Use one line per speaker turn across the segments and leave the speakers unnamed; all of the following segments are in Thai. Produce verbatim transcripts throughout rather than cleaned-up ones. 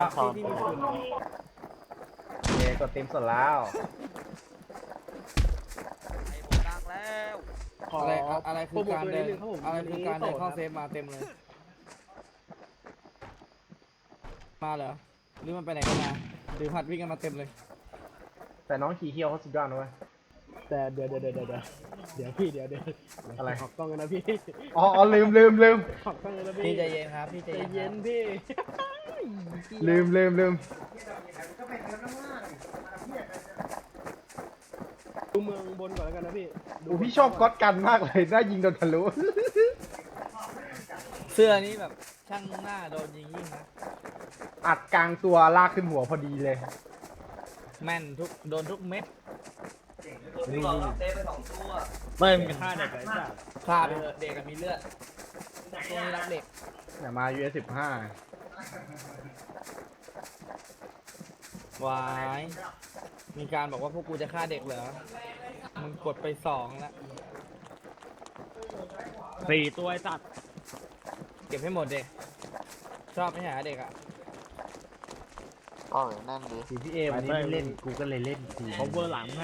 ที่ที่มีคุณเยกดเต็มสดแล้ว
ไอ้ผมดังแล้ว
อะไรอะไรคือการเดินอะไรคือการเดินเข้าเซฟมาเต็มเลยมาเหรอหรือมันไปไหนกันมาหรือผัดวิ่งกันมาเต็มเลย
แต่น้องขี่เคี้ยวเขาสุดยอดนะเว้ย
แต่เดี๋ยวเดี๋ยวเดี๋ยวเดี๋ยวเดี๋ยวพี่เดี๋ยวเดี๋ยว
อะไร
ขอบกล้องกันนะพี่
อ๋อลืมลืมลืม
ขอบกล้องกันนะพี่
พี่ใจเย็นครับพี่ใจ
เย็นพี่
ลืมลืมลืม
ดูเมืองบนก่อนแล้วกันนะพี่
ดูพี่ชอบก๊อตกันมากเลยน่ายิงโดนทะลุ
เสื้อนี้แบบช่างหน้าโดนยิงยิ่งนะ
อัดกลางตัวลากขึ้นหัวพอดีเลย
แม่นทุกโดนทุกเม็ด
พี่บอกเต้ไปสองตัว
ไม่มีค่าเด็กไรจ้ะ
ฆ่าไปเถอะเด็กกับมีเลือดตรงนี้รักเด็ก
อย่ามา ยู เอส สิบห้า
วายมีการบอกว่าพวกกูจะฆ่าเด็กเหรอมึงกดไปสองแล้ว
สี่ตัวไอ้สัตว์
เก็บให้หมดเด็กชอบไม่หาเด็กอ่ะ
ก็นั่นดิ
ทีพี่เอวันนี้ไม่เล่นกูก็เลยเล่นที
เขาเบอร์หลังให้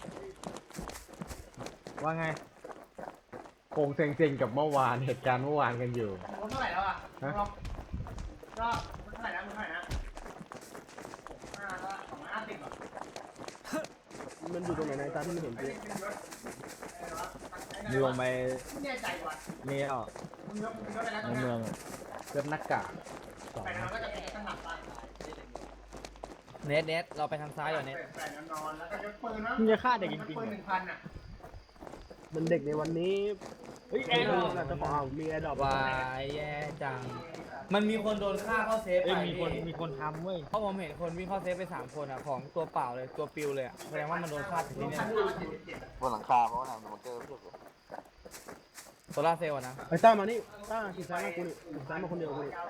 ว่าไงโคงเซ็งๆกับเมื่อวานเหตุการณ์เมื่อวานกันอยู่เท่าไหร่แล้วอ่ะฮะก็เท่าไหร่นะเท่าไหร่นะห้าละสองร้อยห้าสิบอ่ะ
มันอยู่ตรงไหนในตาที่ไม่เห็นพี่
มีลงไปมีอ่ะในเมืองเกิดหน้ากากสอง
เน็ตเน็ตเราไปทางซ้ายก่อนเน็ต
มึงจะฆ่าเด็กจริงๆมันเด็กในวันนี้เฮ้ยแอร์ดรอปนะเจ้าของมีแอร์ดรอป
วายแย่จังมันมีคนโดนฆ่าเข้าเซฟไป
มีคนมีคนทำเว้ย
เพราะผมเห็นคนวิ่งเข้าเซฟไปสามคนอ่ะของตัวเปล่าเลยตัวปิวเลยอ่ะแสดงว่ามันโดนฆ่าถึงที่นี่
บนหลังคาเพราะว่าทำมันเจอเพียบเลย
โซล่าเซลล์นะ
ไอ้ต้ามานี่ต้าขี่ซ้ายมากูนี่ขี่ซ้ายมาคนเดียวกูนี่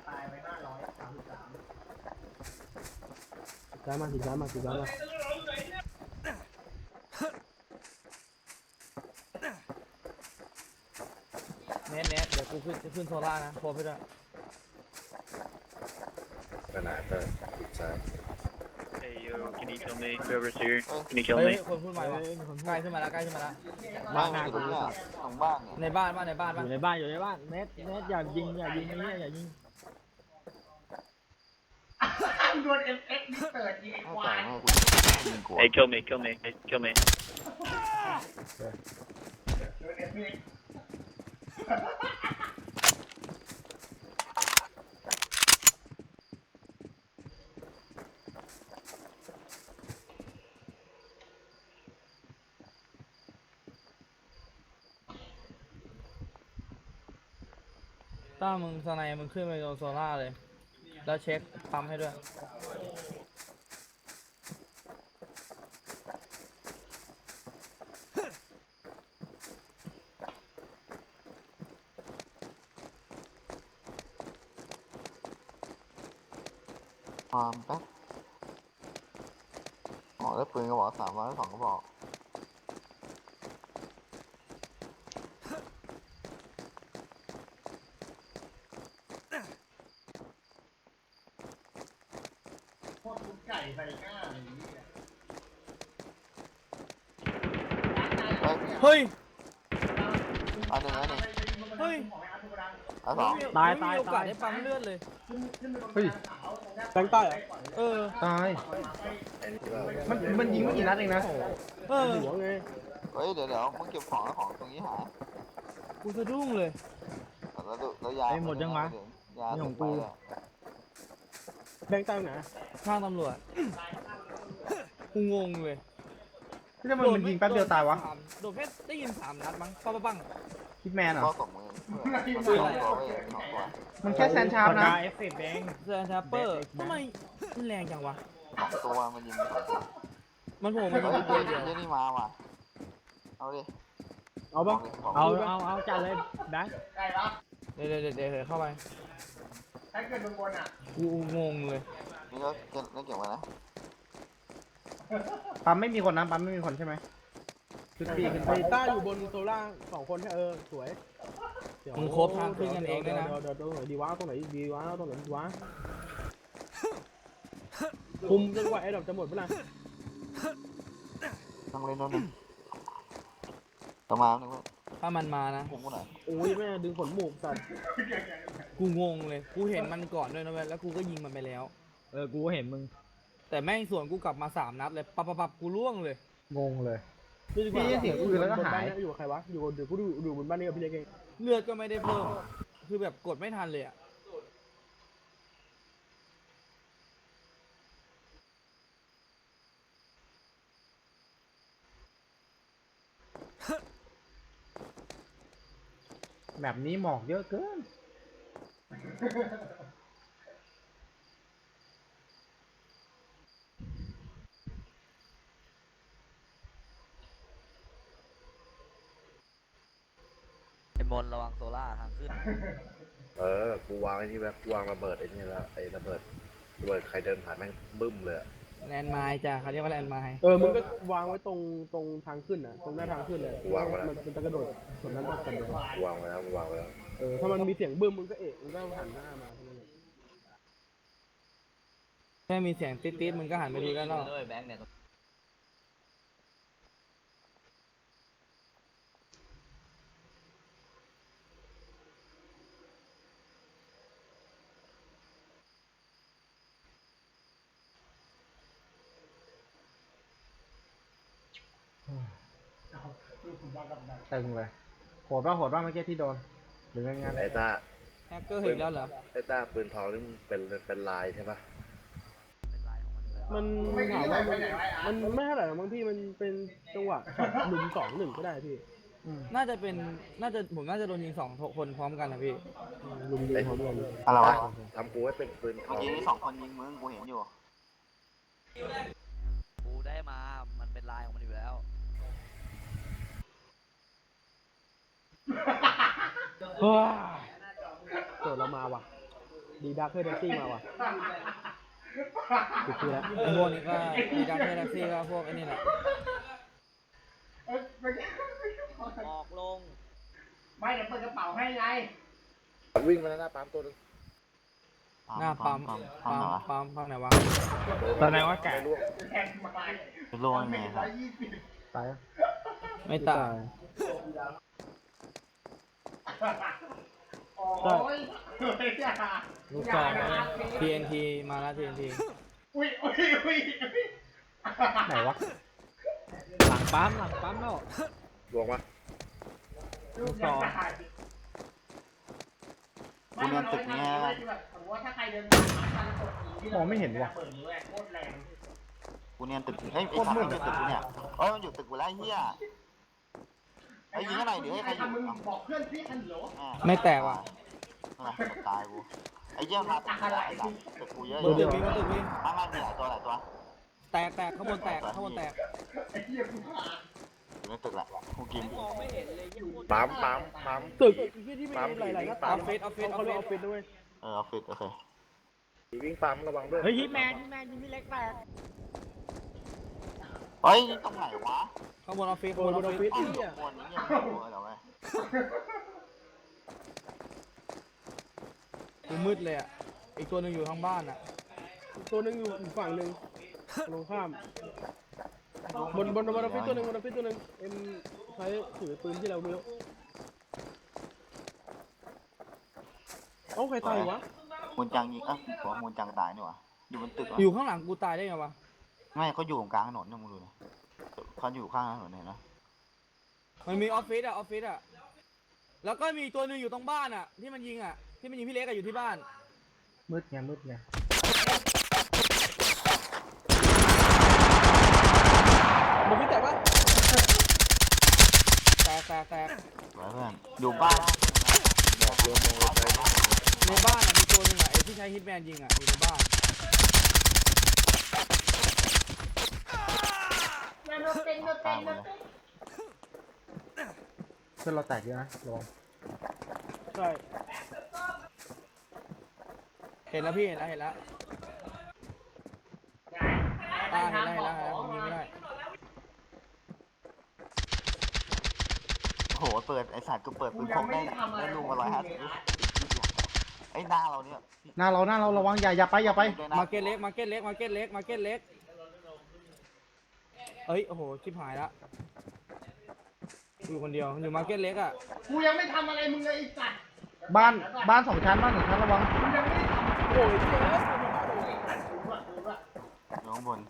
ซ้ายมาขี่ซ้ายมาขี่ซ้ายมา
เน็ตเน็ตเดี๋ยวกูขึ้นขึ้นโซล่านะโคไปด้วย
ขนาดเปิดใช่
Hey yo, can you kill me? Whoever's here, can you kill
เฮ้ย
me?
คนพูดใหม่ว่ะใกล้ขึ้นมาแล้วใกล้ขึ้นมาแล้ว
บ้านอยู่ตรงนี้ของบ้านเนี่ย
ในบ้านบ้านในบ้าน
อยู่ในบ้านอยู่ในบ้านเน็ตเน็ตอย่ายิงอย่ายิงนี่อย่ายิง
โดนเอ็มเอ็กซ์นี่เปิดยิงไอ้ควาย
Hey, kill me, kill me, hey, kill me.
ถ้ามึงสไนมึงขึ้นไปโดนโซล่าเลยแล้วเช็คปั๊มให้ด้วย
ความแป๊บอ๋อแล้วปืนกระบอกสามร้อยสองกระบอก
เฮ้ย
อันหนึ่งอันหนึ่ง
เฮ้ย
อันสอง
ตายตาย
ไม่มีโอกาสได้ปั๊มเลือดเลย
เฮ้ย
แบงค์ใต้เหรอ
เออ
ตายมันมันยิงไม่กี่นัดเองนะ
เออ
หัวไง
เฮ้ยเดี๋ยวเดี๋ยวมึงเก็บของแล้วของตรงนี้หาย
กูสะดุ้งเลย
แล้วแล้วยาหมดยังวะยาของกู
แบงค์ใต้ไหน
ข้างตำรวจกูงงเลย
ที่ทำไมมันยิงแป๊บเดียวตายวะ
โดนแค่ได้ยินสามนัดมั้งปังปัง
คิดแมนเหรอ
ก็สมมือมันสองตัวเว้ยสองตัว
มันแค่แซนชาร์ปนะ
เอฟเฟกต์แบงค์
เซอร์ชาเปอร์ทำไมมันแรงจังวะ
สองตัวมันยิงสองตัว
มันโผล่มา
เฮ้
ยิ
ย
ง
เดี๋
เดี
ย
ยว วเดียว
เดี๋ยวนี่มาว่ะเอาดิ
เอาบ้างเอาเอาเอาจัดเลยแบงค์
เดี๋ยวเดี๋ยวเดี๋ยวเดี๋ยวเข้าไปกูงงเลย
นี่ก็เก็บนี่เก็บไว้นะ
ปั๊มไม่มีคนนะปั๊มไม่มีคนใช่ไหมขึ้นปีขึ้น
ไอ้ต้าอยู่บนโซล่าสองคนเออสวย
มึงครบทางขึ้นกันเองด้วยนะ
เดี๋ยวเดี๋ยวตรงไหนดีวะตรงไหนดีวะตรงไหนดีวะคุมจนกว่าไอ้ดอกจะหมดเวลา
ต้องเล่นแล้วนึงต่อมาหนึ่งว่า
ถ้ามันมานะ
ผมกูหน่อย
โอ้ยแม่ดึงขนหมูกสัตว์
กูงงเลย กูเห็นมันก่อนด้วยนะเว้ย แล้วกูก็ยิงมันไปแล้ว
เออ กูก็เห็นมึง
แต่แม่งสวนกูกลับมาสามนัดเลยปับปับปับกูล่วงเลย
งงเลย
นี่ดีกว่า
พี่เสียงปืนแล้วก็หาย
บนบ้นอยู่กับใครวะอยู่กับเดี๋ยวกูดูดูบนบ้านนี้กับพี่เล็กเอง
เลือดก็ไม่ได้เพิ่ม คือแบบกดไม่ทันเลยอะ
แบบนี้หมอกเยอะเกิน
ไอ้มนระวังโซล่าทางขึ้น
เออ กูวางไอ้นี่แบบกูวางระเบิดไอ้นี่แล้วไอ้ระเบิดระเบิดใครเดินผ่านแม่งบึ้มเลยอะ
แลนด์ไมล์จ้ะเขาเรียกว่าแลนด์ไมล์
เออมึงก็วางไว้ตรงตรงทางขึ้นอ่ะตรงหน้าทางขึ้นเลยมันมันจะกระโดดส่วนนั้นต้องกระโดด
กูวางไว้แล้วกูวางไว้แล้ว
เออถ้ามันมีเสียงบึ้มมึงก็เอะมึงก็หันหน้ามาเท่านั้นเอง
แค่มีเสียงติ๊ดๆมึงก็หันไปดูได้แล้ว
ด้วยแบงค์เนี่ย
ตึงเลย โหดป่ะโหดป่ะเมื่อกี้ที่โดน หรือไงงั้น
ไอ้ต้า
แฮกเกอร์เห็นแล้วเหรอ
ไอ้ต้าปืนทองนี่มันเป็นเป็นลายใช่ปะ
เป็นลายของมันอยู่แล้ว
มันถามว่ามันมันไม่เท่าไหร่หรอกบางที่มันเป็นจังหวะช็อตลุมสองหนึ่งก็ได้พี่
น่าจะเป็น น่าจะ ผมน่าจะโดนยิงสองคนพร้อมกันนะพี่
ลุมยิงพร้อมกัน
อะไรวะ
ทำกูให้เป็นปืนท
เมื่
อ
อง กี้นี่สองคนยิงมึงกูเห็นอยู่
กูได้มา มันเป็นลายของมันอยู่แล้ว
เกิดเรามาว่ะดีดักเพื่อแท็กซี่มาว่ะกูคือแล้ว
ไอ้พวกนี้ก็มีดักเทอร์แท็กซี่ก็พวกไอ้นี่แหละ
ออกลง
ไม่เดี๋ยวเปิดกระเป๋าให้ไง
วิ่งมาหน้าปั๊มตัวนึง
หน้าปั๊ม
ปั๊ม
ปั๊ม
ปั๊ม
ปั๊มปั๊มไหนวะ
ตอนไหนว่าแกะ
ล่วง
เป็นโล่ยังไงครับ
ตายอ่ะ
ไม่ตาย
โอ้ยเฮ้ยอย่า
ลูกซองนะ ที เอ็น ที มาแล้ว ที เอ็น ที
อุ้ยอุ้ยอุ้ยไหนวะ
หลังปั๊มหลังปั๊มแล้ว
ล่วงปะ
ลูกซอง
กูเนียนตึกเนี้ย
มองไม่เห็นว่ะ
กูเนียนตึกเฮ้ยไอ้ขาอยู่ตึกกูเนี่ยเอ้ยมันอยู่ตึกกูแล้วไอ้เหี้ยไอ้ยิงอะไรเดี๋ยวให้ใครอยู่
บอกเพื่อนพี่ฮัลโหล
ไม่แตกว่ะ
นั่นแหละตายกูไอ้เหี้ยมาตึกกูไอ้สัสตึกกูเยอะ
บนตึกมีบนตึกมี
มามามีหลายตัวหลายตัว
แตกแตกข้างบนแตกข้างบนแตก
อยู่ในตึกแหละกูกิน
มองไม่เห็นเลยยิ่งพูด
ปั๊มปั๊มปั๊ม
ตึกที่ที่มีหลายๆหน้า
อ
ต่า
อง ฟฟิศออฟฟิศออ
เขา
ฟ
เรียกอ
ฟิ
อฟฟิศด้วย
เออออฟฟิศโอเค
วิ่งปั๊มระวังด้วย
เฮ้ยฮิตแมนฮิตแมนยิงพี่เล็กแตก
เฮ้ยตรงไหนวะ
ข้างบนออฟฟิศ
โด
ข้างบ
น
นอ
บ
อน ฟ
ออฟ
ฟิ
ฟิ
ศ
ศที่อ่ะ
คนนี้ยังไม่รู้เหรอเว้ย
กูมืดเลยอ่ะ อีกตัวหนึงอยู่ข้างบ้านอ่ะ
ตัวหนึงอยู่อีกฝั่งหนึ่งตรงข้ามบนบนบนออฟฟิศตัวหนึ่งบนออฟฟิศตัวหนึ่งเอ็มใช้ถือปืนที่เราไม่รู้เอ้าใครตายวะ
มูลจังยิงอ่ะหัวมูลจังตายนี่หว่าอยู่บนตึกเหรอ
อยู่ข้างหลังกูตายได้ไงวะ
ไม่เขาอยู่ตรงกลางถนนเนี่ยมึงดูนะเขาอยู่ข้างถนนเนี่ยนะ
มันมีออฟฟิศอ่ะออฟฟิศอ่ะ แล้วก็มีอีกตัวหนึงอยู่ตรงบ้านอ่ะ ที่มันยิงอ่ะ ที่มันยิงพี่เล็กอะอยู่ที่บ้าน
มืดไงมืดไง
บนออฟฟิศแตกปะ
แตกแตกแตก
ไว้เพื่อนอยู่บ้านนะ
บอกรวมมองไป
ในบ้านอ่ะมีตัวหนึงอ่ะไอ้ที่ใช้ฮิตแมนยิงอ่ะอยู่ในบ้าน
ตามหมดเลย
เพื่อนเราแตกเยอะนะระวัง
ใช่
เห็นแล้วพี่เห็นแล้วเห็นแล้วอ่าเห็นแล้วเห็นแล้วเห็นแล้วผมยิงไม่ได้
โหเปิดไอสัตว์กูเปิดปืนพกได้ได้ลูกมาร้อยห้าสิบไอ้หน้าเราเนี่ย
หน้าเราหน้าเราระวังอย่าอย่าไปอย่าไป
ด้วยนะ
มาเก็ตเล็กมาเก็ตเล็กมาเก็ตเล็กมาเก็ตเล็กเอ้ยโอ้โหชิบหายละอยู่คนเดียวอยู่มาเก็ตเล็กอ่ะ
กูยังไม่ทำอะไรมึงเลยไอ้สัตว์บ้านบ้านสองชั้นบ้านสองชั้นระวังกูยังไม่ได้ทำ
โอ้ยเหี้ย
อยู่ข้างบน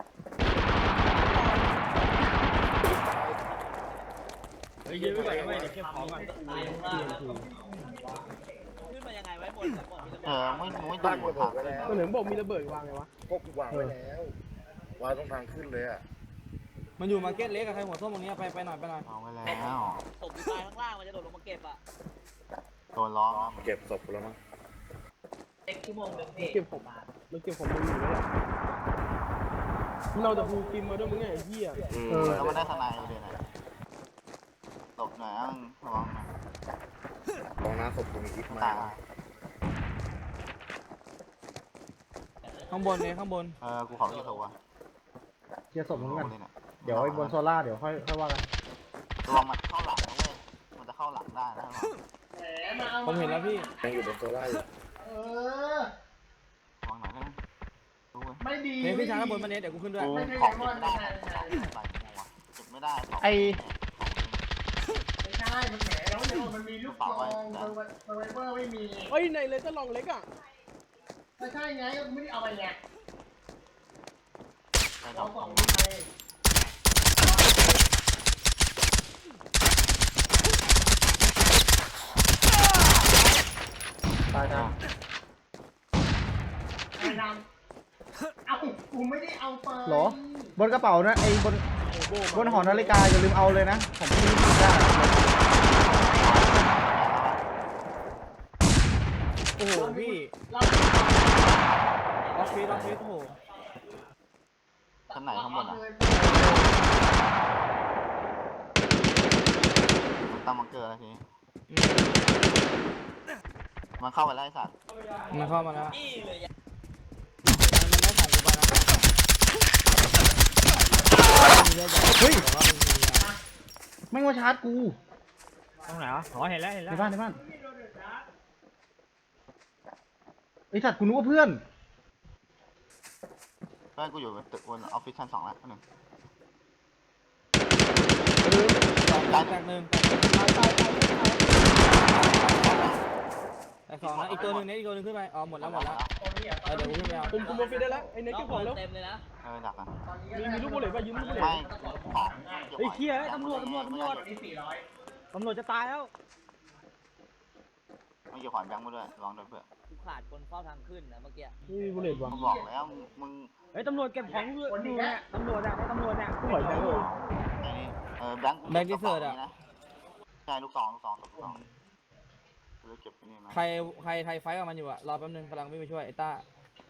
เฮ้ยยืนไว้ก่อนไม่เดี๋ยวเก็บของก่อน
ตายข้างล่างแล้วขึ้นมายังไงไว้บนแต่ก่อนมีระ
เอ
เบิด
อไม่ไม่
บ้า
ดู
นกู
ทา
ถู
ง
กไว้แล้ว
มันเหมือนบอกมีระเบิดวางไงวะ
พวกกูวางไว้แล้ววางตรงทางขึ้นเลยอ่ะ
มันอยู่มาเก็ตเล็กกับใครหัวส้มตรงนี้ไปไปหน่อยไปหน่อย
เอาไว้แล้ว
ตกอยู่ตายข้างล่างมันจะโดดลงมาเก็บอ่ะ
โดนล้อม
เก็บศพกูแล้วมั้ง
เอ็กชั่วโมงหนึ่ง
มันเก็บผมมันเก็บผมมึงอยู่แล้วแหละมันเอาแต่ฮูกิมมาด้วยมึงไงไอ้เหี้ย
อืม
เออ
แล้วมันได้ทนายเลยนะหลบหน่อยอ่ะระวัง
ลองน้าศพกูมีอีกมา
ตาย
ข้างบนเลยข้างบน
เออกูขอที่ตัว
เคลียร์ศพมึงกัน
เลยเนี่ย
เดี๋ยวไอ้บนโซล่าเดี๋ยวค่อยค่อยว่ากัน
ระวังมันเข้าหลังนะเว้ยมันจะเข้าหลังได้นะ
ผมเห็นแล้วพี่
ยังอยู่บนโซล่าอยู่
เออ
ระวังหน่อยนะดูเว้ย
ไม่ดี
เฮ้ยพี่ช้างข้างบนมาเน็ตเดี๋ยวกูขึ้นด้วย
กูของเก็บไม่ได้ใส่หัวเก็บไม่ได้
ไอ้
ของ
ไม่ใช่มันแหมแล้วเนี่ยมันมีลูกซองเซอร์ไวเวอร์ไม่มี
เฮ้ยในเลยจะลองเล็กอ่ะ
ไม่ใช่ไงกูไม่ได้เอาไปไง
ใส่ด
เอา
อก
ข
ข
อ
อง ง
มึงไปตายนะไอ้นำเอากูไม่ได้เอาไปหรอบนกระเป๋านะไอ้บนบนหอนาฬิกาอย่าลืมเอาเลยนะผมไม่รู้ได้
โอ้โหพี่ออฟฟิศออฟฟิศโอ้โห
ชั้นไหนข้างบนอ่ะมันตั้งมังเกอร์แล้วทีนี้
อืม
มันเข้าไปไล่สัตว์
มันเข้ามาแล้ว
อี้เลยอ่ะ
มันได้ของกูไปนะ
เฮ้ย
แต่ว่ามันมีอ่ะ
ไม่มาชาร์จกู
ตรงไหนวะอ๋อเห็นแล้วเห็น
ใน
แล้ว
บ้านในบ้านไอสัตว์กูนึกว่าเพื่อน
เพื่อนกูอยู่ตึกบนออฟฟิศชั้นสองแล้วหนึ่ง
แตกแตกหนึ่งแตกสองนะอีกตัวหนึ่งเน็ตอีกตัวหนึ่งขึ้นไปอ๋อหมดแล้วหมดแล้วเออเดี๋ยวกูขึ้นไปเอา
ผมคุมโมฟิได้แล้วไอ้เน็กเก็บของแล้ว
เต็มเลยนะ
เออดักอ่ะ
มีมีลูกบุหรี่ป่ะยืมลูกบุหรี่
ไม่ของ
เฮ้ยเชี่ยตำรวจตำรวจตำรวจตำรวจจะตายแล้ว
ไม่เกี่ยวของแบงค์มาด้วยลองด้วยเพื่อน
กูขาดคนเฝ้าทางขึ้นนะเมื่อกี้
ไม่มีบุหรี่วะ
กูบอกแล้วมึง
เฮ้ยตำรวจเก็บของอยู่เนี่ยตำรวจอะตำรวจเนี่ย
กูไหวแบงค์เลย
ไอ้นี่เออแบงค์ใช่ลูกสองลูกสองลูกสองกูจะเก็บไปนี่นะ
ใครใครใครไฟท์กับมันอยู่อะรอแป๊บนึงกำลังวิ่งไปช่วยไอ้ต้า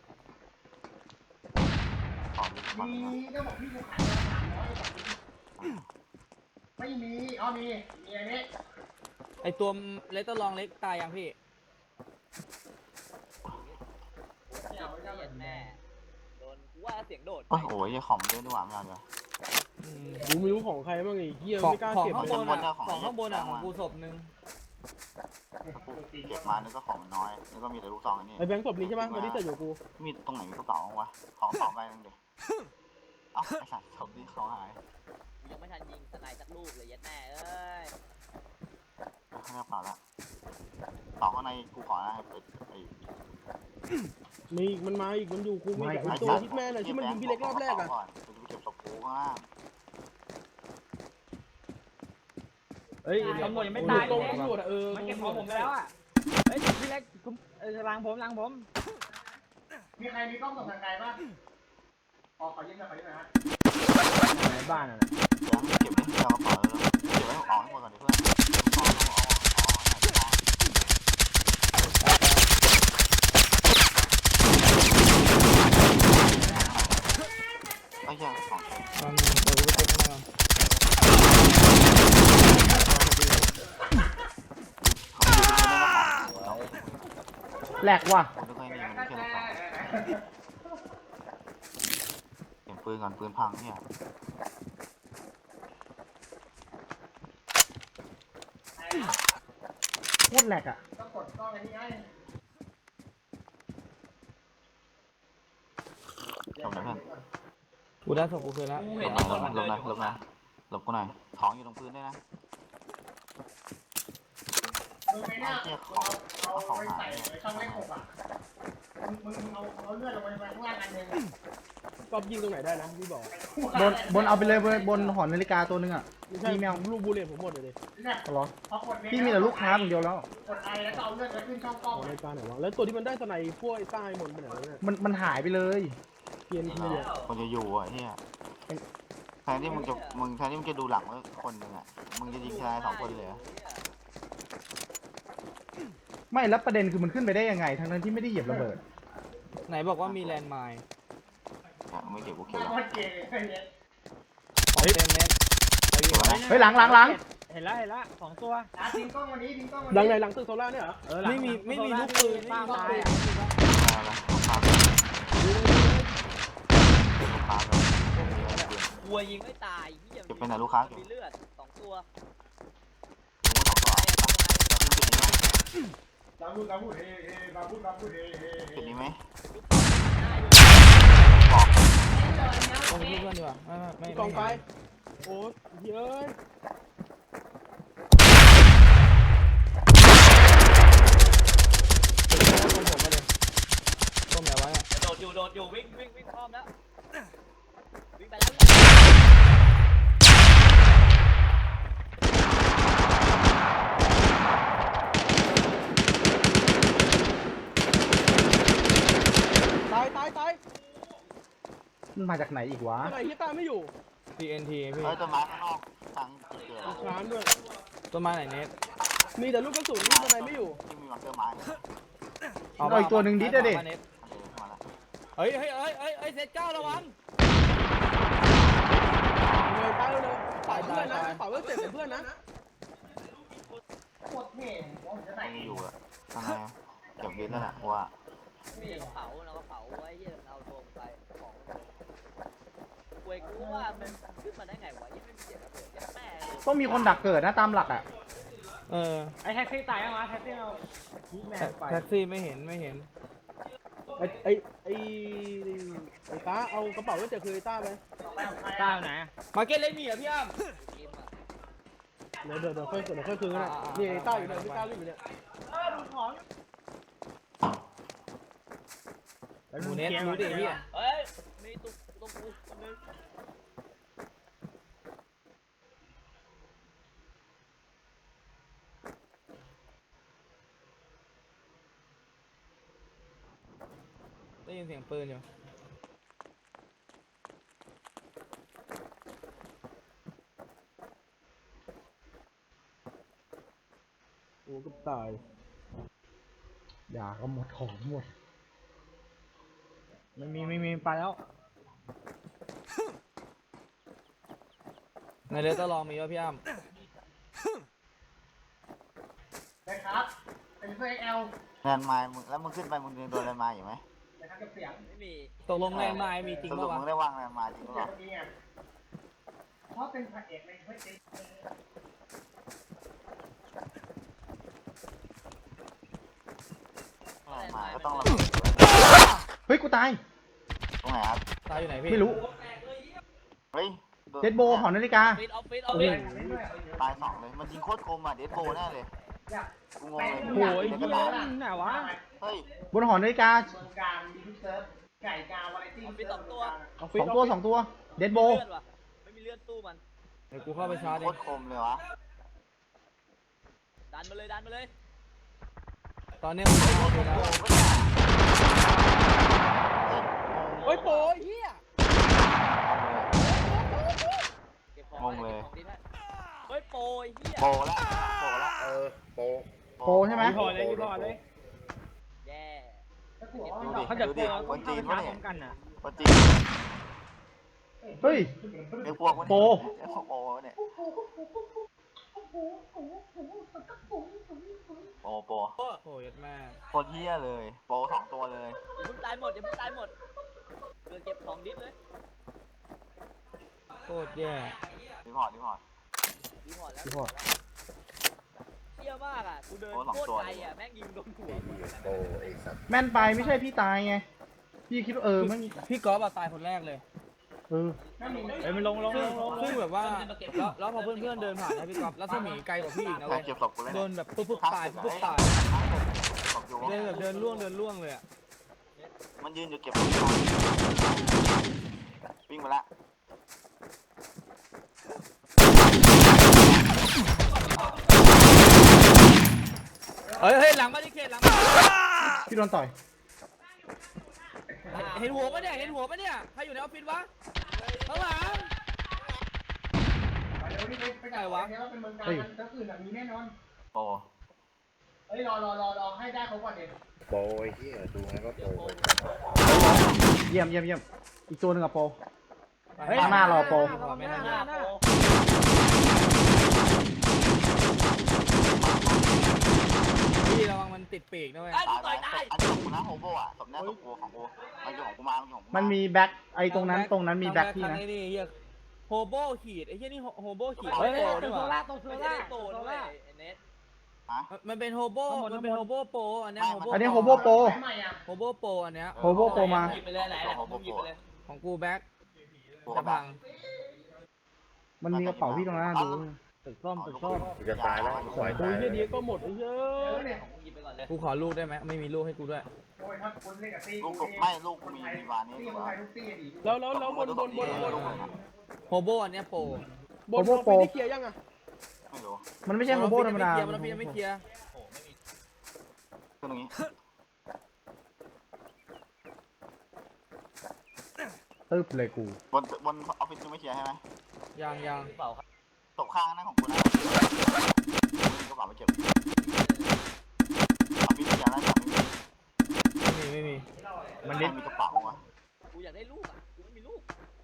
ของลูกสอง
มีก็บอกพี่กูขายสามร้อยไม่มีอ๋อมีมีอันนี้
ไอ้ตัวเลตเตอร์ลองเล็กตายยังพี่
เหี้ยแม่โดนกูว่าเสียงโดด
โอ้โหยังของเยอะด้วยหว่าไม่เอาเดี๋ยว
อืม
กูไม่รู้ของใครบ้างไอ้เหี้ย
ของ
ไม่กล้า
ของ
เก็บ
ข้างบน
ของ
อะ
ของ
ของข้างบนอะ
ของ
ของกูศพหนึ่ง
เก็บมานึกก็ของมันน้อยนึกก็มีแต่ลูกซองอันนี้
ไอ้แบงค์ศพนี้ใช่ป่ะตอนนี้แต่อยู่กู
มีตรงไหนมีกระเป๋าวะของสองใบนึงเด็กเอ้าไอสัตว์ศพนี่เขาหาย
ยังไม่ทันยิงสไนสักลูกเลยยัดแม่เอ้ย
ข้างในกระเป๋าละต่อข้างในกูขอนะให้เปิดไอ้
มีอีกมันมาอีกมันอยู่กูมีแต่ไอ้ตัวฮิตแมนอะที่มันยิงพี่เล็กรอบแรกอะ
กูจะไปเก็บศพกูข้างล่าง
เฮ้ยตำรวจยังไม่ตาย
ต
เล
รง
ย
ตำรวจอะเออ
มันเก็บของผมไปแล้วอะเฮ้ยพี่เล็กคุณเออหลังผมหลังผม
มีใครมีกล้องส่องทางไกลป่ะอ๋อขอยืมหน่อยขอยืมหน่อยฮะ
ในบ้านอะ
เดี๋ยวเก็บไว้ที่กระเป๋าแล้วเก็บไว้ออกให้หมดก่อนเดี๋ยวเพื่อนเอาเอาเอาเอาไอ้เหี้ยของ
มันเดี๋ยวกูไปเช็คข้างในก่อน
แหลกว่ะ
ผมไม่ค่อยมีมันแค่ลูกสองเก็บปืนก่อนปืนพังเนี่ย
โคตรแหลกอ่ะต้องกดกล้องอันนี้ไอ้
หลบหน่อยเพื่อน
กูได้ศพกูคืนแล้ว
กู
หล
เห็น
บห
ตำร
น่
ว
อย
จ
หล
มัน
บ
เดิ
หน่อย
นอยู่
หลบหน่อยหลบกูหน่อยของอยู่ตรงพื้นด้วยนะ
มึงไม่น่า
เชี่ยข
เอา
อง
เอา
เอาของ
ไว้
หา
ใส่
ยเนี่ย
ในช่องเลขหกอ่ะมึงมึงมึงเอาเอาเลือดลงไปข้างล่างอันหนึง
กอบยิงตรงไหนได้นะพี่บอก
บนบนเอาไปเลยบนบนหอนาฬิกาตัวนึงอ่ะ
ไม่ใช่
พี่แมว
ลูกบูเลตผมหมดเลยดิ
เนี่ย
เอาเหรอ
พอกดเม
พี่มีแต่ลูกค้าอย่างเดียวแล้ว
กดไอแล้วก็เอาเลือดไปขึ้นช่องกล้อง
ของ
อะ
รายการไหนวะแล้วตัวที่มันได้สไนพวกไอ้ใต้หมดไปไหนวะเนี่ย
มันมันหายไปเลย
เกียนที่เนี่ย
คนจะอยู่อ่ะเฮียแทนที่มึงจะมึงแทนที่มึงจะดูหลังว่าคนหนึ่งอ่ะมึงจะยิงชายสองคนเลยเหรอ
ไม่แล้วประเด็นคือมันขึ้นไปได้ยังไงทั้งนั้นที่ไม่ได้เหยียบระเบิด
ไหนบอกว่ามีแลนด์ไมน์
อ่ะไม่เก็บกูเก็บ
โค
แล้ว
ตรเก๋เลยไอ้เนี่ย
ของเต็มเน็ตไปวิ่ง
เก็บ
ไป
แล้วนะ
เฮ้ยหลังหลังหลัง
เห็นแล้วเห็นแล้วสองตัว
อ่ะทิ้งกล้องวันนี้ทิ้งกล้องวัน
หลังไหน
นี้
หลังตึกโซล่าเนี่ยเหรอ
เออหลัง
ไม่มีไม่มีลูกปืนไม่มีลูกปืน
เอาละเอาครับเก็บลูกค้าก่อน
กลัวยิงไม่ตายเหี้ย
เก็บไปไหนลูกค้าเก็บ
มีเลือดสองตัว
บาบูบาบูเฮ้เฮ้บาบูบาบูเฮ้เฮ้เฮ้
จุดนี้ไหม
ตรงนี้เพื่อนดีกว่าไม่ไม่ไม่
กองไฟโอ้ยเฮ้ย
ตรงผมมาเลยต้มไหนวะเนี่ย
โดดอยู่โดดอยู่วิ่งวิ่งวิ่งพร้อมแล้ววิ่งไปแล้ว
ตายตายตาย
มันมาจากไหนอีกวะ
สไนที่ตายไม่อยู่
ที เอ็น ที พี่
เฮ้ยต้นไม้ข้างนอกทางจุดเกิด
ลูกค้าด้วย
ต้นไม้ไหนเน็ต
มีแต่ลูกกระสุนลูกสไนไม่อยู่
ที่มีมันเตอร์ไม้
เอาอีกตัวหนึ่งดิเดี๋ยวดิ
อาเน็ต
มาแล้ว
เฮ้ยเฮ้ยเฮ้ยเฮ้ยเฮ้ยเซตเก้าระวัง
เลยตายเลยฝ่ายเพื่อนนะฝ่ายเพื่อนเจ็บเป็นเพื่อนนะ
โคตรเท่ผมจะ
ต
ใส่
รงนี้อยู่อะข้างในเก็บดินนั่นแหละว่า
มีเผาเราก็เผาไว้เหี้ยเอาลงไปของกลัวกูว่ามันขึ้นมาได้ไงวะยังไม่มีเสียงระเบิดยังแม่เลย
ต้องมีคนดักเกิดนะตามหลักอ่ะ
เออ
ไอ้แท็กซี่ตายยังวะแท็กซี่เอาพีแมนไป
แท็กซี่ไม่เห็นไม่เห็น
ไอ้ไอ้ไอ้ไอ้ตาเอากระเป๋าไว้เจ็บคือไอ้ต้าไป
ตายไหนอะ
มาเก็ตเล่นมีเหรอพี่อ้ำ
ทีมอะ
เดี๋ยวเดี๋ยวเดี๋ยวค่อยเดี๋ยวค่อยคืนกันนะนี่ไอ้ต้าอยู่เนี่ยพี่ต้าวิ่งอยู่เนี่ย
หมูเน็ตรู้ดิพี่
เฮ้ยมีตุ๊กตุ๊กกูคนนึง
ได้ยินเสียงปืนอยู่
โอ้ก็ตาย
อย่าก็หมดของหมด
ไม่มีไม่มีไปแล้ว
ในเรือต้องลองมีวะพี่อ้ำ
นะครับเป็นเพื่อนเอล
แลนด์ไม้มึงแล้วมึงขึ้นไปมึงโดนแลนด์ไม้อยู่ไหม
นะครับกับเสียง
ไม่มี
ตกลงแลนด์ไมน์มีจริง
สรุ
ปะ
ป
วะ
มึงได้วางแลนด์ไม้จริงหรือ
เสี
เป
ยง
ล่า
เมื่อกี้ไงเพราะเป็นพระเอกในเฮ้ยจริง
แลนด์ไม้ก็ต้องระเบิด
เฮ้ยกูตาย
ตรงไหนครับ
ตายอยู่ไหนพี่
ไม่รู้
เฮ้ย
เดดโบหอนาฬิกา
ออฟฟิศออฟฟิศออฟฟิศ
ตายสองเลยมันยิงโคตรคมอ่ะเดดโบแน่เลย
อยาก
กูงงเลย
โอ้ย
เดี๋ยว
เฮี
ก็
ย
ตาย
ไหนวะ
เฮ้ย
บนหอนาฬิกา
เมืองการมีทุกเซิร์ฟไก่กาวาไรตี้
ออฟฟิศสองตัว
ออฟฟิศ
สองตัวสองตัว เดดโบ
เลือดว่ะไม่มีเลือดตู้มัน
เดี๋ยวกูเข้าไปชาร์จ
โค
เอง
ตรคมเลยวะ
ดันมาเลยดันมาเลย
ตอนเนี้ยมึงเข้าไปแล้ว
โอ้ยโป้ยเฮีย
เก็บของไว้เก็บของดีได้เฮ้ยโปรยเฮีย
โปละโปละ
เออโป
โปรใช่ไหม
รีพอร์ตเลยรีพอร์ตเลย
แย่
ดูดิ
เขาจะ
ดู
โป
ดิ
ร
คนจีน
พร้
วะ
อ
เนี่ย
มกันอ่ะ
คนจีน
เฮ้ย
ไอ้พวกวะเนี่ย
โป
ไอ้พวกโปเนี่ยโปโป
โอ้ยแม่
โคตรเฮี้ยเลยโปสองตัวเลย
อย่าเพิ่งตายหมดอย่าเพิ่งตายหมดเรือเก็บของดิสเลย
โคตรแย่
รีพอร์ตรีพอร์ต
ดีหมดแล้ว
รีพอร์ต
เชี่ยมากอ่ะกูเดิน
โอ้สอง
โคตร
ตัว
ไกลอ่ะแม่งยิงโดนหัวกู
โปไอ้สัตว์
แม่นไปไม่ใช่พี่ตายไง
พี่คิดว่าเออมัน
พี่ก๊อฟอะตายคนแรกเลย
เออ
เอ้ยมันลงลงล
ซึ่ง
งลงล
ซึ่ง
ง
แบบว่าแล้วแล้วพอเพื่อนๆเดินผ่านนะพี่ก๊อฟแล้วสมีไกลกว่าพี่อีกนะ
ใคร
เว้ย
เก็บศพกูเลย
โด
เนี่ย
นแบบปุ๊บปุ๊บตายปุ๊บปุ๊บตาย
ศพอยู่
เดินแบบเดินล่วงเดินล่วงเลยอะ
มันยืนอยู่เก็บศพวิ่งไปละ
เฮ้ยเฮ้ยหลังมาดิเขตหลังมา
พี่โดนต่อย
เห็นหัวปะเนี่ยเห็นหัวปะเนี่ยใครอยู่ในออฟฟิศวะข้างหลัง
เดี๋ยวนี่ไปไหนวะเนี่ยว่าเป็นเมืองการมันจะอื่นแบบนี้แน่นอน
โอ้
เฮ้ยรอรอรอรอให้ได้เขาก่อนเด็
โปรไอ้เหี้ยดูไงก็โปรไป
เยี่ยมเยี่ยมเยี่ยมอีกตัวหนึ่งอะโป
เฮ้ย
ข้างหน้ารอโปร
ไม่
ห
ทัน
น้าหน้า
พี่ระวังมันติดปีกนะเว้ย
ไอ้กู
ตาย
ต่อย
ไป
ตาย
อันนี้ของกูนะโฮโบอ่ะศพเนี้ยศพกูของกูมันอยู่ของกูมามันอยู่ของกู
มันมีแบ็คไอ้ตรงนั้นตรงนั้นมีแบ็คพี่
ทาง
นะ
ไอ้นี่เฮียโฮโบขีดไอ้เฮียนี่โฮโบขีด
เฮ้ย
โปร
ตร
ด้ว
ง
ย
โซ
ว่ะ
ล่าตรงโซ
ไม่ใช่
ล่า
ได้โต
โซ
ด้วย
ล่า
ไอ้เน็ต
มันเป็นโฮโบมันเป็นโฮโบโปรอันเนี้ยโฮโบ
อันนี้โฮโบโปร
โฮโบโปรอันเนี้ย
โฮโบโปรมา
หยิบไปเลยไหนไหนของมึงหยิบไปเลย
ของกูแบ็ค
กู
จะ
ก็
พัง
มันมีกระเป๋าพี่ตรงนั้นดู
ตึกส้มตึกส้ม
กูจะตายแล้วกูปล่อย
โอ้
ตาย ย
เหี้ยดีก็หมดไอ้เหี้ย
ของมึงหยิบไปก่อนเลย
กูขอลูกได้ไหมไม่มีลูกให้กูด้วย
ลูกกูไม่ลูกกูมีมีวานนี่ดีกว่า
แล้วแล้วแล้วบนบนบนบน
โฮโบอันเนี้ยโปร
บนบนไปที่เคลียร์ยังอ่ะ
ไม่รู้
มันไม่ใช่โฮโบธรรมดา
มันพี่ยังไม่เคลียร์
ขึ้นตรงนี้
ตึ๊บเลยกู
บนบนออฟฟิศยังไม่เคลียร์ใช่ไหม
ยังยัง
เปล่าครับ
ศพข้างนั่นของกูนะกระเป๋าไปเก็บออฟฟิศเคลียร์แล้วแต่ไม่มี
ไม่มีไม่มี
มัน
ใคร
เด็ด
มีกระเป๋าวะ
กูอยากได้ลูกอ่ะกูไม่มีลูก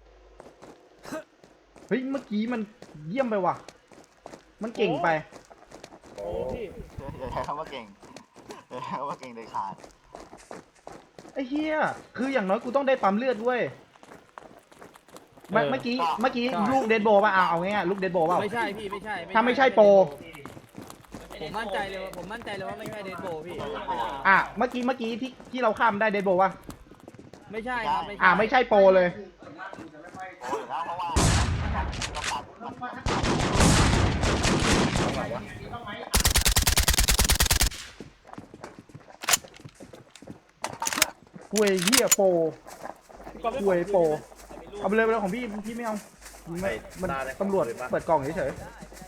เฮ้ยเมื่อกี้มันเยี่ยมไปว่ะ มันเก่งไป
โอ้
โอ้พี่
เดี๋ยวใช้คำว่าเก่งเดี๋ยวใช้คำว่าเก่งเด็ดขาด
ไอ้เหี้ยคืออย่างน้อยกูต้องได้ปั๊มเลือดด้วยเมื่อเมื่อกี้เมื่อกี้ลูกเดดโบป่ะเอาเอาง่ายๆลูกเดดโบป่ะ
ไม่ใช่พี่ไม่ใช่
ถ้าไม่ใช่โปร
ผมมั่นใจเลยว่าผมมั่นใจเลยว่าไม่ใช่เดดโบพี่
อ่ะเมื่อกี้เมื่อกี้ที่ที่เราข้ามได้เดดโบป่ะ
ไม่ใช่ครับไม่ใช่
อ่ะไม่ใช่โปรเลย
โอ้ยแล้วเพราะว่าเราตัดมัน
คุยเหี้ยโปร
ก๊อฟได้
คุยโปร
ใครมีลูก
เอาไปเลยไปเลยของพี่พี่ไม่เอาไม่มันตำรวจเปิดกล่องเฉย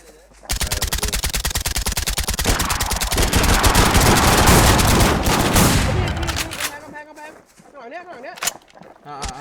กำแพงกำแพงกำแพงข้างหลังเนี้ยข้างหลังเนี้ย
อ่าอ่า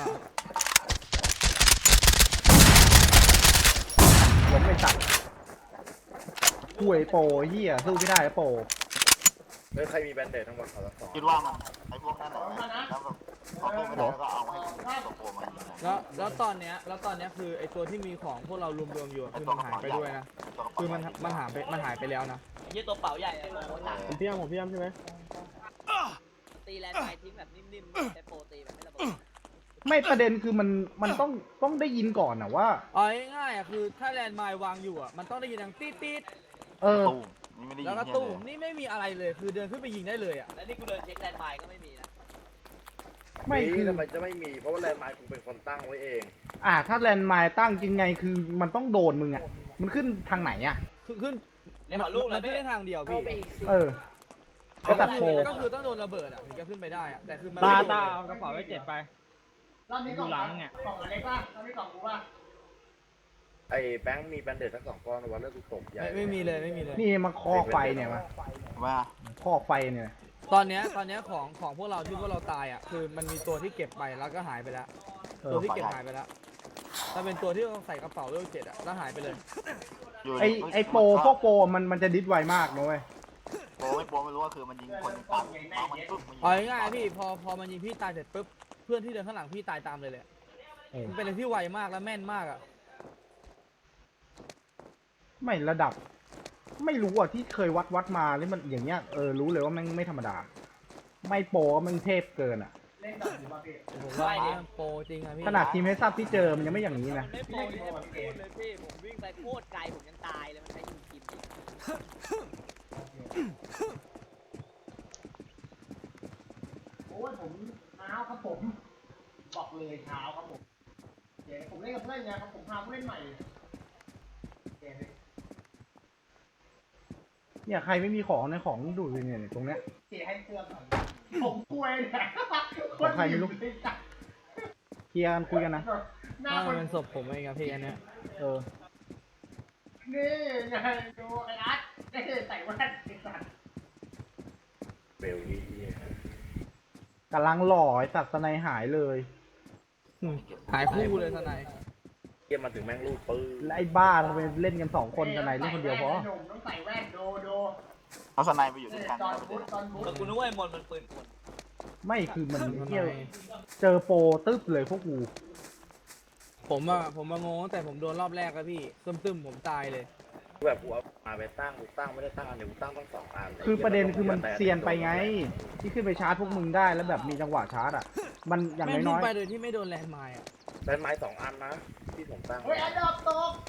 ๆผมไม่ตัดคุยโปรเหี้ยสู้ไม่ได้โปร
เฮ้ยใครมีแบนเดตทั้งหมดขอละสอง
คิดว่ามันไอ้พวกนั้นแหละแล้วแบบเขาตัวไม่ได้แล้วก็เอาให้ตัวโปรมายิง
แล้วแล้วตอนเนี้ยแล้วตอนเนี้ยคือไอตัวที่มีของพวกเรารวมๆอยู่อะคือมันหายไปด้วยนะคือมันมันหายไปมันหายไปแล้วนะ
ไอ้ยี่ตัวเป๋าใหญ่อะโคตรหนัก
ผมพี่ยามผมพี่ยามใช่ไหม
ตีแลนด์ไมทิ้งแบบนิ่มๆใช้โปรตีแบบไม่ระเบิด
ไม่ประเด็นคือมันมันต้องต้องได้ยินก่อนนะว่า
เอาง่ายๆอ่ะคือถ้าแลนด์ไมล์วางอยู่อ่ะมันต้องได้ยินดังตีดตีด
เออ
ตู้นี่ไม่ได้ยิ
แล้ว
น
ก็
เหี้ย
ตุ้ม
เลย
นี่ไม่มีอะไรเลยคือเดินขึ้นไปยิงได้เลยอ่ะ
แล้วนี่กูเดินเช็คแลนด์ไมก็ไม่มีนะ
ไม่คือ
ทำไมจะไม่มีเพราะว่าแลนด์มาร์คกูเป็นคนตั้งไว้เอง
อ่าถ้าแลนด์ไมล์ตั้งจริงไงคือมันต้องโดนมึงอ่ะมันขึ้นทางไหนอ่ะ
คือขึ้น
เดี๋ยวขอลูก
มั
แล้ว
นขึ้นได้ทางเดียวพี่
เออก็ตัดโพ
ก็คือต้องโดนระเบิดอ่ะถึงจะขึ้นไปได้อ่ะแต่คือมัน
ตา
ไม่โดน
ตาเอากระเป๋าไว้เจ็ดไปอยู่หลังเนี่ย
ไอ้แบงค์มีแบนเดตทั้งสองก้อนวันเลือดกูตกใหญ่
ไม่ไม่มีเลยไม่มีเลย
นี่มาคอกไฟเนี่ยมา
ว่า
คอกไฟเนี่ย
ตอนเนี้ยตอนเนี้ยของของพวกเราที่พวกเราตายอ่ะคือมันมีตัวที่เก็บไปแล้วก็หายไปแล้ว
เอ
ตั
อ
วที่เก็บหายไปแล้วถ้าเป็นตัวที่เราใส่กระเป๋าเลขเจ็ดอ่ะแล้วหายไปเลย
ไอไอโปรพวกโปรมันมันจะดิสไวมากนะเว้ย
โปรไม่โปรไม่รู้ว่าคือมันยิงคนปั๊บเอามันปุ๊บมันยิง
เอาง่ายๆพี่พอพอมันยิงพี่ตายเสร็จปุ๊บเพื่อนที่เดินข้างหลังพี่ตายตามเลยเลย
เออ
มันเป็นอะไรที่ไวมากและแม่นมากอ่ะ
ไม่ระดับ ไม่รู้อ่ะที่เคยวัดวัดมาแล้วมันอย่างเงี้ยเออรู้เลยว่ามันไม่ธรรมดา ไม่โปรมันเทพเกินอ่ะ
ผมว่าโปรจริงอะพี่
ขนาดทีมเฮซับที่เจอมันยังไม่อย่างนี้นะ
มันไม่โปรที่ผมพูดเลยพี่ผมวิ่งไปโคตรไกลผมยังตายเลยมันใช้ยิงกิมอีก
โอ้ยผมอ้าวครับผมเลยเช้าครับผมเดี๋ยวผมเล่นกับเพื่อนนะครับผมพาผู้เล่นใหม่เดี๋ยวเนี่ยใครไม่มีของในของดูดเลยเนี่ยตรงเนี้ยเสียให้เพื่อนก่อนผมป่วยเนี่ยของใครไม่รู้เคลียร์กันคุยกันนะหน้า
ถ้า
คน
มันศพผมเองครับพี่อันเนี้ย
เออนี่ไงดูไอ้อาร์ตไอ้ใส่แว่นไอ้สัตว์
เบลลี่
กำลังหล่อไอ้ตัดสไนหายเลย
หายคู่เลยทนาย
เยี่ยมมาถึงแม่งลูกปืน
และไอ้บ้าทำไมเล่นกันสองคนสไนเล่นคนเดียวพอ
ต้องใส่แว่นโดโด
เอาสไนไปอยู่ด้วยกัน
ตอนบูทตอนบูท
แต่กูนึกว่าไอ้มนต์มันปืนกล
ไม่คือมันเที่ยวเจอโปรตึ๊บเลยพวกกู
ผมอะผมมางงตั้งแต่ผมโดนรอบแรกแล้วพี่ตึมๆผมตายเลย
แบบกูเอามาไปตั้งกูตั้งไม่ได้ตั้งอันเดียวกูตั้งตั้งสองอัน
คือประเด็นคือมันเซียนไปไง ที่ขึ้นไปชาร์จพวกมึงได้แล้วแบบมีจังหวะชาร์จอ่ะ มันอย่าง
แม่ง
น้
ขึ้
อน ย
ไปโดยที่ไม่โดนแลนด์ไมล์อะ
ได้ไม้สองอันนะที่ผมตั้ง
เฮ้ยอันดับตก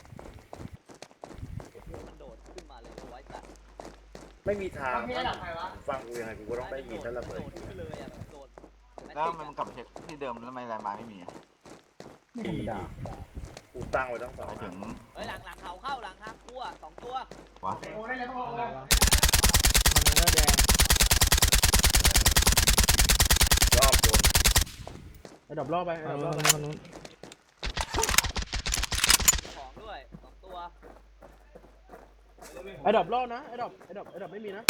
มันโดดขึ้นมาเลยเอาไว้ตัด
ไม่มีทาง
มีอันดับใครวะ
ฟังกูยังไงกูก็ต้องได้ยินถ้าระเบิด
โดดขึ้นเลยอ่ะโดด
แล้วมันกลับไปเช็คที่เดิมแล้วทำไมลายไม้ไม่มี
ๆไม่ธรรมดา
กูตั้งไว้ตั้งสอง
ไป
อั
ถึ
น
ง
เฮ้ยหลังหลังเขาเข้าหลังทางกูอ่ะสองตัว
วะ
โอ้ได้เลยต้อง
อะไร
โอ้
วะมันเนื้อแดง
รอบโดน
ไอ้ดอกรอบไปไอ้
มั
ด
น
อกร
นู้
อบ
น
ไป
มันนู้น
ของด้วยสองตัว
ไอ้ดอกรอบนะไอ้ดอกไอ้ดอกไอ้ดอกไม่มีนะ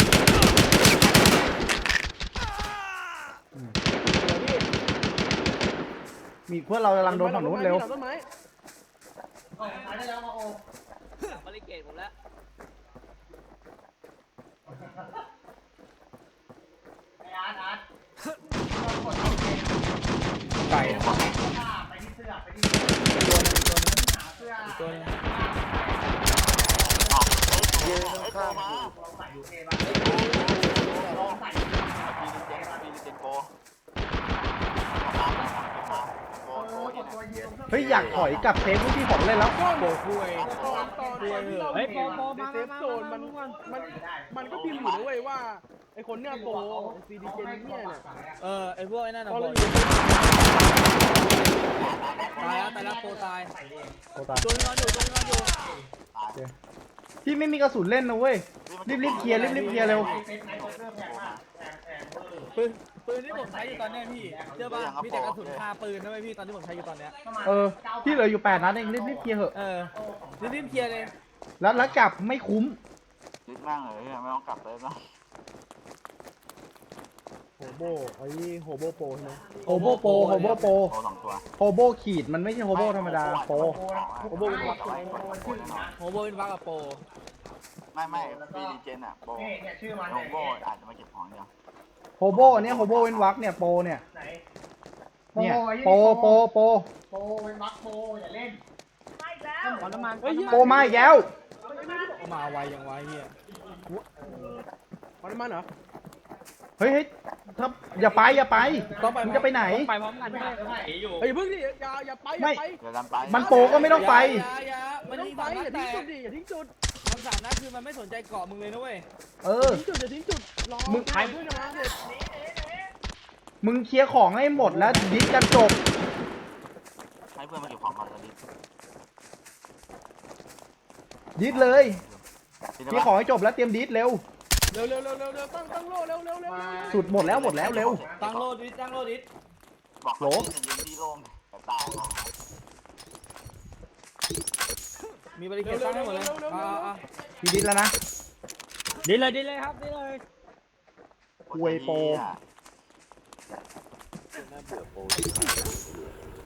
มีเพื่อนเรากำลังโดนฝั่งนู้นเร็ว
ต้นไม้
โอ้หายได้แล้วมาโอ้
หลังบริเกตผมแล้ว
ไอ้อาร์ตอาร์ต
ไก่
ไปที่เสื้อไปที่เสื้อหาเสื้อ
ตัวนึง
ออกเฮ้ยไอ้ตัวมา
ลองใส่ดูเท่ป่ะลองใส่
พีลิเจนพีลิเจนโกโกโกเย็น
ตัวยืน
เฮ้ยอยากถอยกลับเซฟที่ผมเล่นแล้ว
โบคุย
ตอนตอนตอนที่เรา
เฮ้ยโปรโปร
ใน
มา
เซ
มา
ฟ
มา
โซนมัน
มา
มันมันก็พิมพ์อยู่นะเว้ยว่าไอ้คนเนี้ยโปรซีดีเจนเนี่ยเนี่ย
เออไอพวกไอ้นั่น
ต
อะ
อน
โบ
เราอยู่ใน
ตายแล้วตายแล้วโปรตาย
โอ้ตาย
ตัวนึงนอนอยู่ตัวนึงนอนอยู่
ตาย
พี่ไม่มีกระสุนเล่นนะเว้ย รีบรีบเคลียร์รีบรีบเคลียร์เร็ว
เซ็ตไหนเซ็ตแพงมากแพงแพงเวอร์
ปืนปืนที่ผมใช้อยู่ตอนเนี้ยพี่เชื่อป่ะมีแต่กระสุนคาปืนนะเว้ยพี่ตอนที่ผมใช้อยู่ตอนเนี้ย
เออ ที่เหลืออยู่แปดนัดเองรีบรีบเคลียร์เหอะ
เออรีบๆเคลียร์เลย
แล้วแล้วกลับไม่คุ้ม
ยึดมากเลยไม่ต้องกลับเลยนะ
โฮโบไอ้นี่โฮโบโปรใช่ไหม
โฮโบโปรโฮโบโปร
โกสองตัว
โฮโบขีดมันไม่ใช่โฮโบธรรมดาโปร
โกโบเป็นตัวไว้โกแน่นอน
โฮโบเป็นบักกับโปร
ไม่ไม่พีลิเจนอ่ะโบ
นี่เนี่ยชื่อมัน
โกโบอาจจะมาเก็บของเดียว
โฮโบเนี่ยโฮโบเว้นวักเนี่ยโปรเนี่ย
ไหน
เนี่ยโปรโปรโปร
โปเป็นบัคโปอย่าเล่นไม่แล้ว
ขอน้ำมัน
เฮ้ย
โปรมาอีกแล้ว
เอามาไวอย่างไวเฮีย
ขอน้ำมันเหรอ
เฮ้ยเฮ้ยถ้าอย่าไปอย่าไป
ต้องไป
มึงจะไปไหน
ไปพร้อมกันไม่ได้
เฮ้ยเพิ่งดิอย่าอย่าไปอย่าไป
เดี๋ยวดันไป
มันโปรก็ไม่ต้องไป
อย่าอย่า
ไม่
มัน
ต้อง
ยิง
ไป
สามนัด
อย่า
แต่
ทิ้งจุดดิอย่าทิ้งจุด
มันสามนัดคือมันไม่สนใจเกาะมึงเลยนะเว้ย
เอ
อ
อ
ย่าทิ้งจุดอย่าทิ้งจุดรอ
มึง
ใครเพื่อนจะมาเสร็จ
มึงเคลียร์ของให้หมดแล้วดิสกันจบ
ให้เพื่อนมาเก็บของก่อนตอนนี้
ดิสเลยเคลียร์ของให้จบแล้วเตรียมดิสเร็ว
เร็วเร็วเร็วเร็วเร็วตั้งตั้งโล่เร็วเร็วเร็วเร็ว
สุดหมดแล้วหมดแล้วเร็ว
ตั้งโลดิสตั้งโลดิส
บอก
โหล
ยืนที่โล่งแต่ตาย
มีบริเกตตั้งให้หมดเลยอ่าอ่า
พี่ดิสแล้วนะ
ดีเลยดีเลยครับดีเลย
อวยโปร
น่าเบื่อโปร